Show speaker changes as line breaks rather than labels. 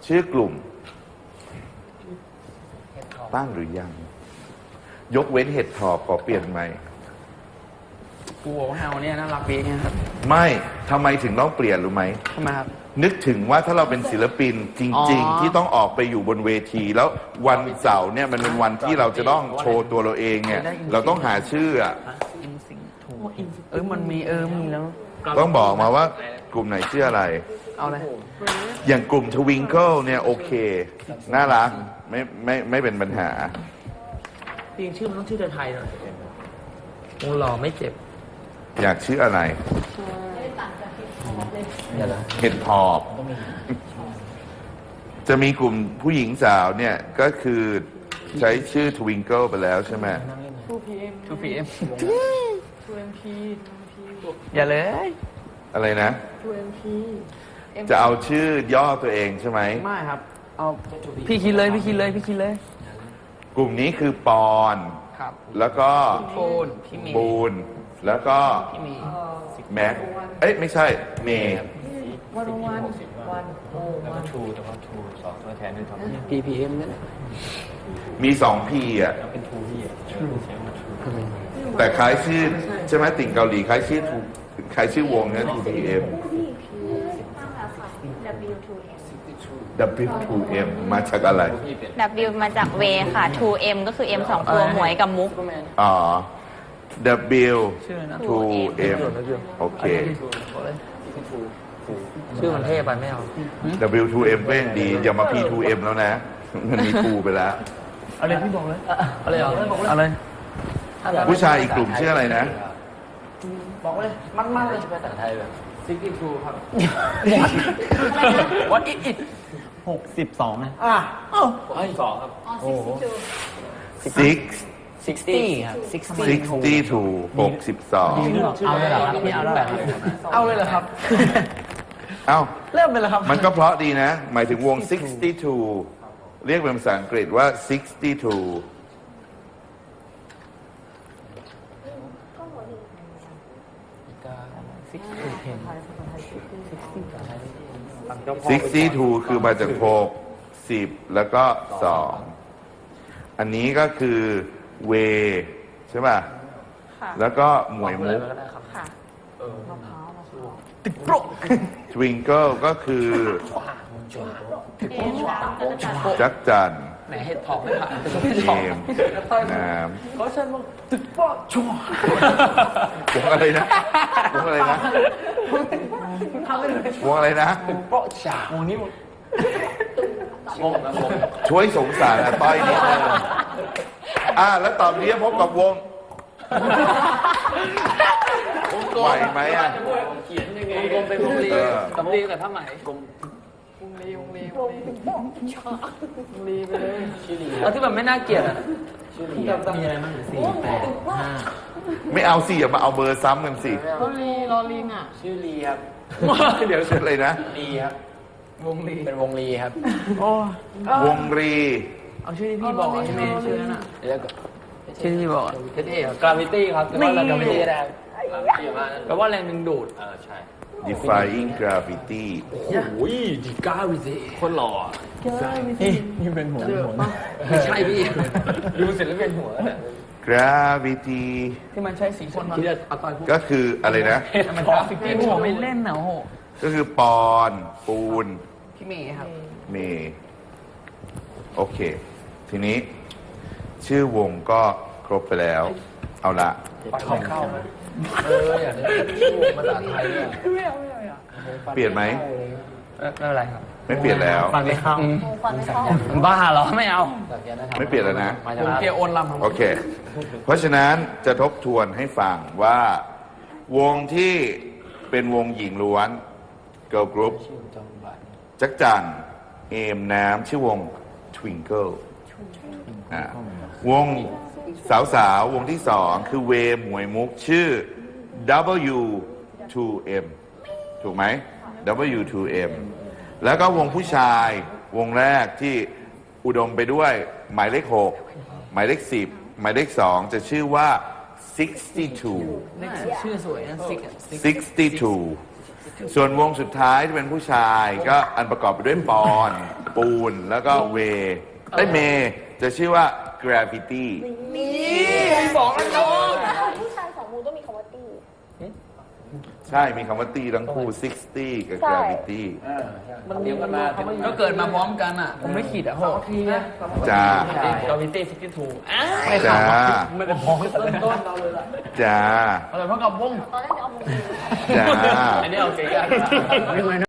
ชื่อกลุ่มตั้งหรือยังยกเว้นเห็ดถอบขอเปลี่ยนไหม
กูบอกว่าเฮาเนี่ยน่ารักดีเนี่ยครับ
ไม่ทำไมถึงต้องเปลี่ยนรู้ไหม
ทำไมครับ
นึกถึงว่าถ้าเราเป็นศิลปินจริงๆที่ต้องออกไปอยู่บนเวที แล้ววันเสาร์เนี่ยมันเป็นวันที่เราจะต้องโชว์ตัวเราเองเนี่ยเราต้องหาชื่อ
มันมีมีแล้ว
ต้องบอกมาว่ากลุ่มไหนชื่ออะไร
เอาเลย
อย่างกลุ่ม Twinkle เนี่ยโอเคน่ารักไม่เป็นปัญหา
จริงชื่อมันต้องชื่อไทยๆหน่อยโอ้หล่อไม่เจ็บ
อยากชื่ออะไรเห็ดหอบจะมีกลุ่มผู้หญิงสาวเนี่ยก็คือใช้ชื่อ Twinkle ไปแล้วใช่ไหม
2PM อย่าเลย
อะไรนะ
2MP
จะเอาชื่อย่อตัวเองใช่ไหม
ไม่ครับเอาพี่คิดเลย
กลุ่มนี้คือปอนแล้วก็บูนแล้วก็แม็กไม่ใช่เมย์
วัน
แล้วก็ทูแต่ว่าทูสองตัวแทนด้วยครับ
PPM เนี่ย
มี2 P อ่ะ
เป็นทูพี่อ่ะใช้มาทู
แต่คล้ายชื่อใช่ไหมติ่งเกาหลีคล้ายชื่อวงเนี่ย TPM W2M มาจากอะไร
W มาจากเวค่ะ 2M ก็คือ M 2ตัวหมวยกับมุก
อ๋อ W2M โอเค
ชื่อมันเท่ไปไม่เอา
W2M ก็ยังดีอย่ามา P2M แล้วนะมันมี 2 ไปแล้ว
อะไรพี่บอกเลยอะไร
ผู้ชายอีกกลุ่มชื่ออะไรนะ
บอกเลยมันเลย
ภาษาไทยแบบ
62ครับWhat is it
62นะ62ครับโอ้โห60ครับ
62
เอาเลยเหรอครับพี่เอาเลยเหรอครับเริ่มไปแล้วครับ
มันก็เพราะดีนะหมายถึงวง62เรียกเป็นภาษาอังกฤษว่า6262คือมาจาก6 10แล้วก็2อันนี้ก็คือเวใช่ป่ะแล้วก็หมวยมุกTwinkle ก็คือจักจัน
ไหนเห็ดถอบไม่ผ่าน
เกมน้ำ
เขาใช้มาตึกป้อชัว
วงอะไรนะวงอะไรนะวงอะไรนะ
ตึกป้อฉาวงนี้
ช่วยสงสารอาต้อยนิดนึงแล้วตอนนี้พบกับวงไหวไหม
เขียนยังไงวงเป็นวงลีสำลีแต่ผ้าไหมวงลีไปเลยชื่อลีเอาที่แบบไม่น่าเกลียดชื่อลีมีอะไรบ้าง4 8 5
ไม่เอาสิอย่ามาเอาเบอร์ซ้ำกันสิ
รอลิงชื่อลีครับ
เดี๋ยวชื่ออะไรนะ
ลีครับ
วงลี
เป็นวงลีครับ
วงลี
เอาชื่อที่พี่บอกใช่ไหมชื่อนั้นแล้วก็ชื่อที่บอก
เท่ๆกราฟิตี้ครับแต่ว่าเรากราฟิตี้ได้
แปลว่าแรงดึงดูด
ใช่
Defying Gravity
โอ้ยดีกาวิซิคนหล่อนี่เป็นหัว
ไม่ใช่พี่
ดูเสร็จแล้วเป็นหัว
Gravity
ที่มันใช้สีคนที่เอาตอน
ก็คืออะไรนะ
มันกราฟิกที่ผมไม่เล่นนะโห
ก็คือปอนปูน
พี่เมย์ครับ
เมย์โอเคทีนี้ชื่อวงก็ครบไปแล้วเอาละ
เข้าอยากได้ชื่อวงภาษาไทย
เปลี่ยนไหม
ไม่เป็นไรครับ
ไม่เปลี่ยนแล้ว
ฟังไม่เข้าบ้าเหรอไม่เอา
ไม่เปลี่ยนแล้วนะ
ผมเกียร์โอนลำ
โอเคเพราะฉะนั้นจะทบทวนให้ฟังว่าวงที่เป็นวงหญิงล้วน Girl Group จักจั่นเอมน้ำชื่อวง Twinkle วงสาววงที่2คือเวหมวยมุกชื่อ W2M ถูกไหม W2M แล้วก็วงผู้ชายวงแรกที่อุดมไปด้วยหมายเลข6หมายเลข10หมายเลข2จะชื่อว่า62
ชื่อสวยนะ
62ส่วนวงสุดท้ายที่เป็นผู้ชายก็อันประกอบไปด้วยปอนปูนแล้วก็เวเมจะชื่อว่า gravity
บอกแล้วน้อง
ผู้ชายสองมือต้องมีคำว่าตี
ใช่มีคำว่าตีทั้งคู่ 60 กับ gravity
มันเดียวกันมาก็เกิดมาพร้อมกันอ่ะ ผมไม่ขีดอ่ะโหทีนะ
จ้า
กาวิตี้ซิกทู
จ้า
ไม่ได้พ้องกันเลย
ต้นเราเลยล่ะ
จ้า
อะไรเพราะกับวง
ตอนแรกจะเอามือ
จ้า
อันนี้เอาเก๋กัน